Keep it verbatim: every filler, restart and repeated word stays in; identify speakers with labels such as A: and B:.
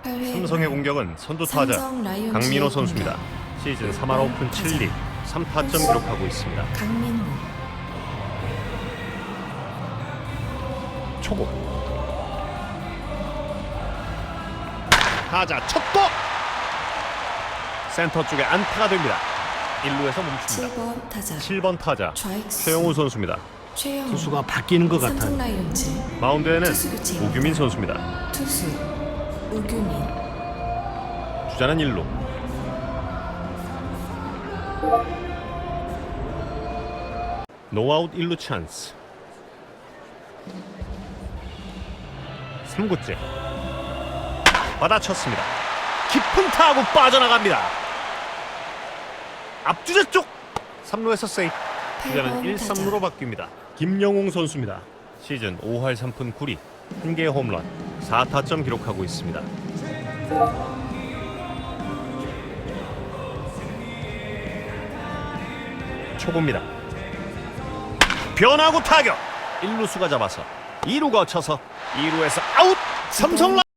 A: 삼성의 공격은 선두 타자 강민호 선수입니다. 시즌 삼 할 오 푼 칠 리 삼 타점 기록하고 있습니다.
B: 강민호.
A: 초고 타자 쳤고 센터 쪽에 안타가 됩니다. 일 루에서 멈춥니다.
B: 칠 번 타자
A: 칠 번 타자
B: 좌익수
A: 최영우 선수입니다.
B: 최영우.
C: 투수가 바뀌는 것 같아요.
B: 삼성 라이온즈
A: 마운드에는
B: 투수 교체.
A: 우규민 선수입니다.
B: 투수 우규민.
A: 주자는 일 루. 노아웃 일 루 찬스. 삼 구째 받아쳤습니다. 깊은 타구 빠져나갑니다. 앞주자 쪽 삼 루에서 세이프. 주자는 일, 삼 루로 바뀝니다. 김영웅 선수입니다. 시즌 오 할 삼 푼 구 리 한 개의 홈런 사 타점 기록하고 있습니다. 초보입니다. 변화구 타격 일 루수가 잡아서 이 루 거쳐서 이 루에서 아웃. 삼성 라